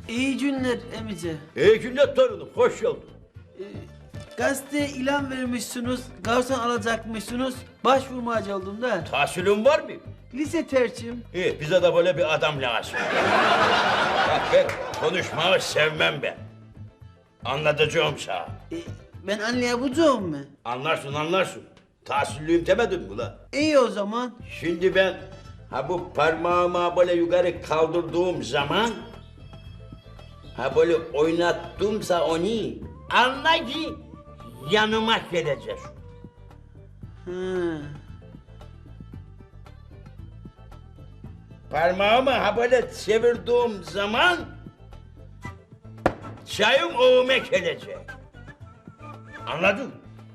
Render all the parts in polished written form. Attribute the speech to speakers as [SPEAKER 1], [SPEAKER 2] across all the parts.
[SPEAKER 1] İyi günler emice.
[SPEAKER 2] İyi günler torunum, hoş geldin.
[SPEAKER 1] Gazeteye ilan vermişsiniz, garson alacakmışsınız. Başvurmacı oldum da.
[SPEAKER 2] Tahsilin var mı?
[SPEAKER 1] Lise tercihim.
[SPEAKER 2] İyi, bize de böyle bir adam lazım. Bak ben konuşmayı sevmem ben. Anlatacağım sana.
[SPEAKER 1] Ben anlayabileceğim mi?
[SPEAKER 2] Anlarsın. Tahsilliyim demedim mi la?
[SPEAKER 1] İyi o zaman.
[SPEAKER 2] Şimdi ben bu parmağımı böyle yukarı kaldırdığım zaman böyle oynattımsa onu anla ki yanıma gelecek.
[SPEAKER 1] Ha.
[SPEAKER 2] Parmağımı böyle çevirdiğim zaman çayım oğuma gelecek. Anladın?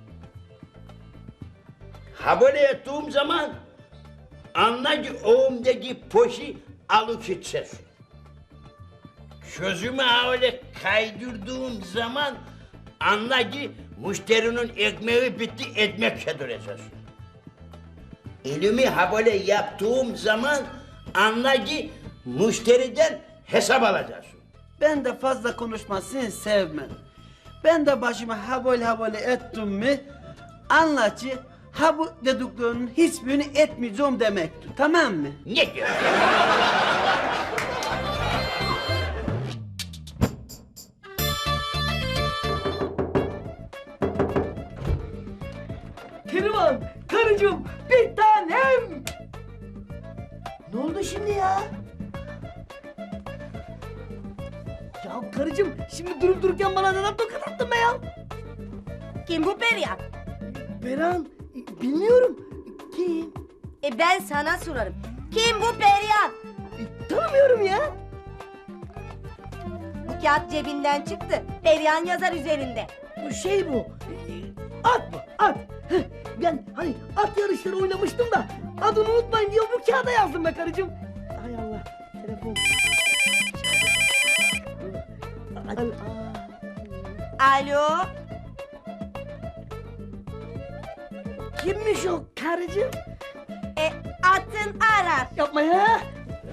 [SPEAKER 2] Böyle ettiğim zaman anla ki oğumdaki poşi alıp gidecek. Sözümü öyle kaydırdığım zaman anla ki müşterinin ekmeği bitti, ekmek yedirecek. Elimi böyle yaptığım zaman anla ki müşteriden hesap alacaksın.
[SPEAKER 1] Ben de fazla konuşmasını sevmem. Ben de başıma habole ettim mi anla ki ha bu dediklerinin hiçbirini etmeyeceğim demektir. Tamam mı?
[SPEAKER 2] Ne diyorsun?
[SPEAKER 1] Keriman, karıcığım, bir tanem. Ne oldu şimdi ya? Ya karıcığım, şimdi durup dururken bana neden tokat attın be ya?
[SPEAKER 3] Kim bu Perihan?
[SPEAKER 1] Beran, bilmiyorum. Kim?
[SPEAKER 3] Ben sana sorarım. Kim bu Perihan?
[SPEAKER 1] Tanımıyorum ya.
[SPEAKER 3] Bu kağıt cebinden çıktı. Perihan yazar üzerinde.
[SPEAKER 4] Şey bu, at mı? At. Heh, ben hani at yarışları oynamıştım da adını unutmayın diye bu kağıda yazdım be karıcığım. Hay Allah, telefon.
[SPEAKER 3] Alo.
[SPEAKER 4] Kimmiş o karıcığım?
[SPEAKER 3] Atın arar.
[SPEAKER 4] Yapma ya.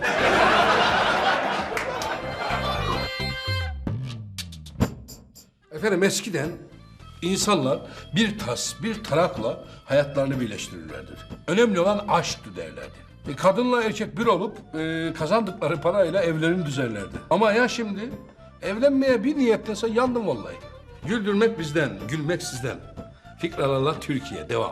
[SPEAKER 5] Efendim eskiden insanlar bir tas, bir tarakla hayatlarını birleştirirlerdir. Önemli olan aşktı derlerdi. Kadınla erkek bir olup kazandıkları parayla evlerini düzenlerdi. Ama ya şimdi evlenmeye bir niyetlese yandım vallahi. Güldürmek bizden, gülmek sizden. Fikralarla Türkiye devam.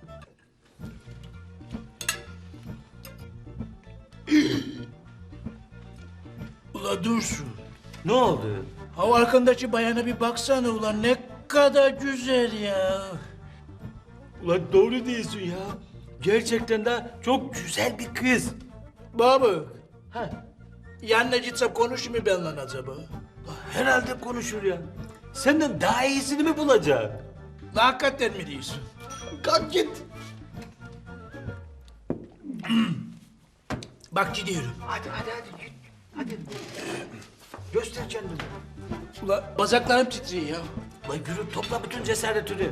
[SPEAKER 6] Ula Dursun,
[SPEAKER 7] Ne oldu?
[SPEAKER 6] ha arkandaki bayana bir baksana ulan ne kadar güzel ya.
[SPEAKER 7] Ulan doğru diyorsun ya. Gerçekten de çok güzel bir kız.
[SPEAKER 6] Baba, yanına gitsem konuşur mu benimle acaba?
[SPEAKER 7] Herhalde konuşur ya. Senden daha iyisini mi bulacak?
[SPEAKER 6] La hakikaten mi diyorsun?
[SPEAKER 7] Kalk git.
[SPEAKER 6] Bak gidiyorum.
[SPEAKER 7] Hadi git. Hadi. Göster kendini.
[SPEAKER 6] Ula bacaklarım titriyor ya.
[SPEAKER 7] Lan yürü topla bütün cesaretini.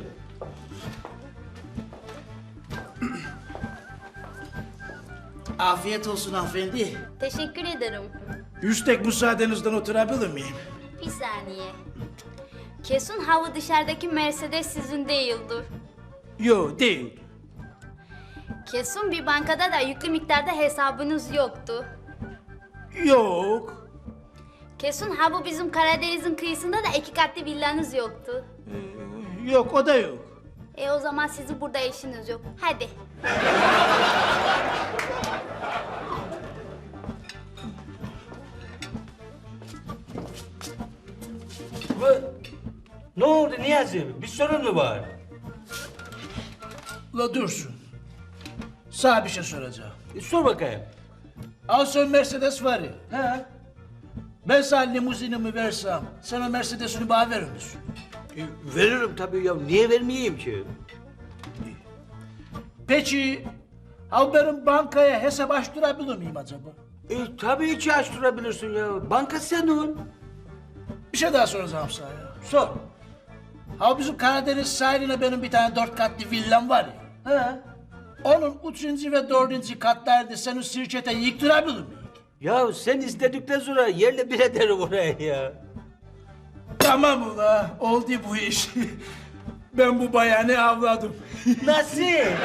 [SPEAKER 6] Afiyet olsun hanımefendi.
[SPEAKER 8] Teşekkür ederim.
[SPEAKER 6] Üstek müsaadenizden oturabilir miyim?
[SPEAKER 8] Bir saniye. Kesin hava dışarıdaki Mercedes sizin değildir.
[SPEAKER 6] Yo değil.
[SPEAKER 8] Kesin bir bankada da yüklü miktarda hesabınız yoktu.
[SPEAKER 6] Yok.
[SPEAKER 8] Kesin ha bu bizim Karadeniz'in kıyısında da 2 katlı villanız yoktu.
[SPEAKER 6] Yok o da yok.
[SPEAKER 8] O zaman sizin burada işiniz yok. Hadi.
[SPEAKER 7] Ne oldu Niyazi? Bir sorun mu var?
[SPEAKER 6] Ula Dursun. Sana bir şey soracağım.
[SPEAKER 7] Sor bakayım.
[SPEAKER 6] Al sen Mercedes var ya. He. Ben sana limuzinimi versem, sen o Mercedes'ini bana verir misin?
[SPEAKER 7] Veririm tabii ya. Niye vermeyeyim ki?
[SPEAKER 6] Peki, al benim bankaya hesap açtırabilir miyim acaba?
[SPEAKER 7] Tabii ki açtırabilirsin ya. Banka senin.
[SPEAKER 6] Bir şey daha soracağım sana ya. Sor. Ha bizim Karadeniz sahiline benim bir tane 4 katlı villam var ya. He. Onun 3. ve 4. katlarda senin şirkete yıktırabilir miyim?
[SPEAKER 7] Ya sen istedikten sonra yerle bir ederim oraya ya.
[SPEAKER 6] Tamam ula, oldu bu iş. Ben bu bayanı avladım.
[SPEAKER 7] Nasıl?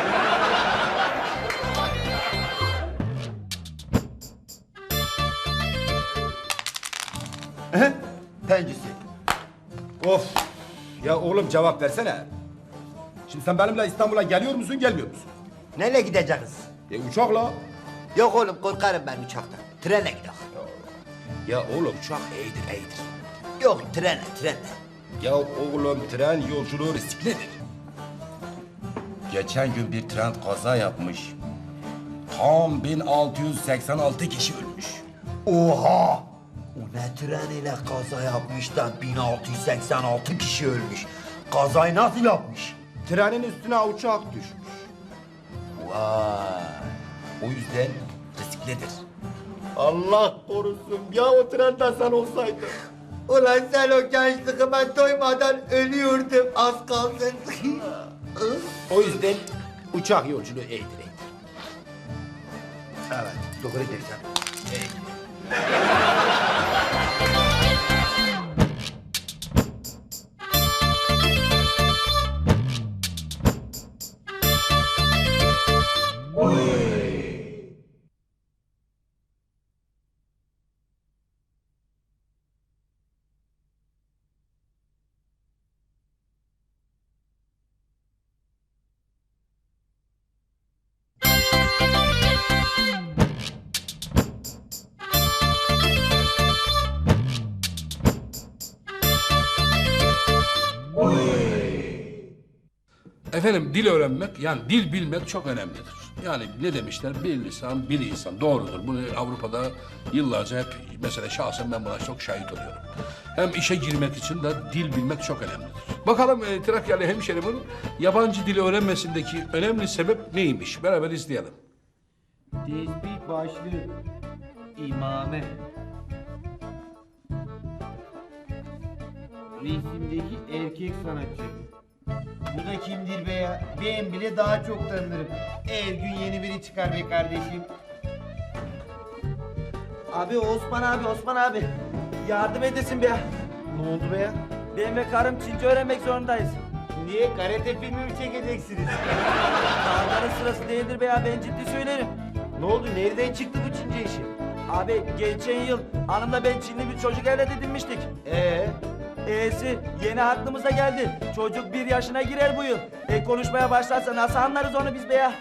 [SPEAKER 9] Pencisi. Of. Ya oğlum cevap versene. Şimdi sen benimle İstanbul'a geliyor musun, gelmiyor musun?
[SPEAKER 10] Nereye gideceğiz?
[SPEAKER 9] Uçakla.
[SPEAKER 10] Yok oğlum korkarım ben uçaktan. Trene gidelim.
[SPEAKER 9] Ya oğlum uçak iyidir.
[SPEAKER 10] Yok trenle.
[SPEAKER 9] Ya oğlum tren yolculuğu risklidir. Geçen gün bir tren kaza yapmış. Tam 1686 kişi ölmüş.
[SPEAKER 10] Oha! O ne tren ile kaza yapmış da 1686 kişi ölmüş. Kazayı nasıl yapmış?
[SPEAKER 9] Trenin üstüne uçak düşmüş.
[SPEAKER 10] Vay!
[SPEAKER 9] O yüzden risklidir.
[SPEAKER 10] Allah korusun ya o trende sen olsaydın. Ulan sen o gençliğime doymadan ölüyordum az kalsın.
[SPEAKER 9] O yüzden uçak yolculuğu iyidir.
[SPEAKER 10] Evet doğru dersen.
[SPEAKER 5] Efendim dil öğrenmek yani dil bilmek çok önemlidir. Yani ne demişler? Bir lisan, bir insan. Doğrudur. Bunu Avrupa'da yıllarca hep mesela şahsen ben buna çok şahit oluyorum. Hem işe girmek için de dil bilmek çok önemlidir. Bakalım Trakyalı hemşerimin yabancı dili öğrenmesindeki önemli sebep neymiş? Beraber izleyelim.
[SPEAKER 11] Tesbih başlığı. İmame. Resimdeki erkek sanatçı. Bu da kimdir be ya? Ben bile daha çok tanırım. Her gün yeni biri çıkar be kardeşim.
[SPEAKER 1] Abi Osman abi. Yardım edesin be ya.
[SPEAKER 11] Ne oldu be ya?
[SPEAKER 1] Ben ve karım Çince öğrenmek zorundayız.
[SPEAKER 11] Niye? Karate filmi mi çekeceksiniz?
[SPEAKER 1] Dağların sırası değildir be ya, ben ciddi söylerim.
[SPEAKER 11] Ne oldu? Nereden çıktı bu Çince işi?
[SPEAKER 1] Abi geçen yıl hanımla ben Çinli bir çocuk evlat edinmiştik. E'si yeni aklımıza geldi. Çocuk 1 yaşına girer bu yıl. Konuşmaya başlarsa nasıl anlarız onu biz be ya?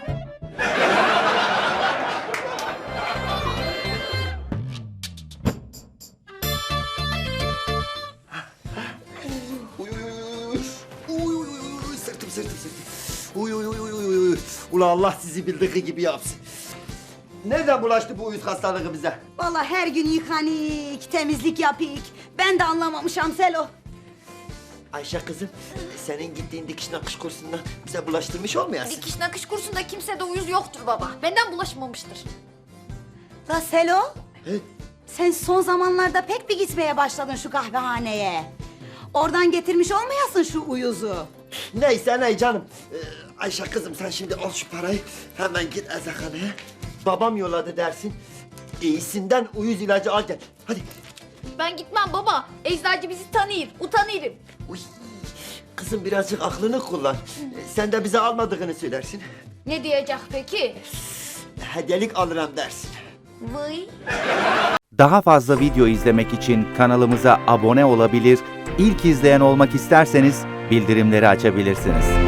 [SPEAKER 10] Sırtım. Uy. Ula Allah sizi bildiği gibi yapsın. Nereden bulaştı bu uyuz hastalığı bize?
[SPEAKER 3] Vallahi her gün yıkanik, temizlik yapık. Ben de anlamamışam Selo.
[SPEAKER 10] Ayşe kızım, senin gittiğin dikiş nakış kursundan bize bulaştırmış olmayasın?
[SPEAKER 12] Dikiş nakış kursunda kimsede uyuz yoktur baba. Benden bulaşmamıştır.
[SPEAKER 3] La Selo,
[SPEAKER 10] He?
[SPEAKER 3] sen son zamanlarda pek bir gitmeye başladın şu kahvehaneye. Oradan getirmiş olmayasın şu uyuzu.
[SPEAKER 10] Neyse ney canım. Ayşe kızım sen şimdi al şu parayı, hemen git eczaneye. Babam yolladı dersin. İyisinden uyuz ilacı al gel. Hadi.
[SPEAKER 12] Ben gitmem baba. Eczacı bizi tanır, utanırım.
[SPEAKER 10] Uy. Kızım birazcık aklını kullan. Sen de bize almadığını söylersin.
[SPEAKER 12] Ne diyecek peki?
[SPEAKER 10] Hediyelik alırım dersin.
[SPEAKER 12] Vay.
[SPEAKER 13] Daha fazla video izlemek için kanalımıza abone olabilir, ilk izleyen olmak isterseniz bildirimleri açabilirsiniz.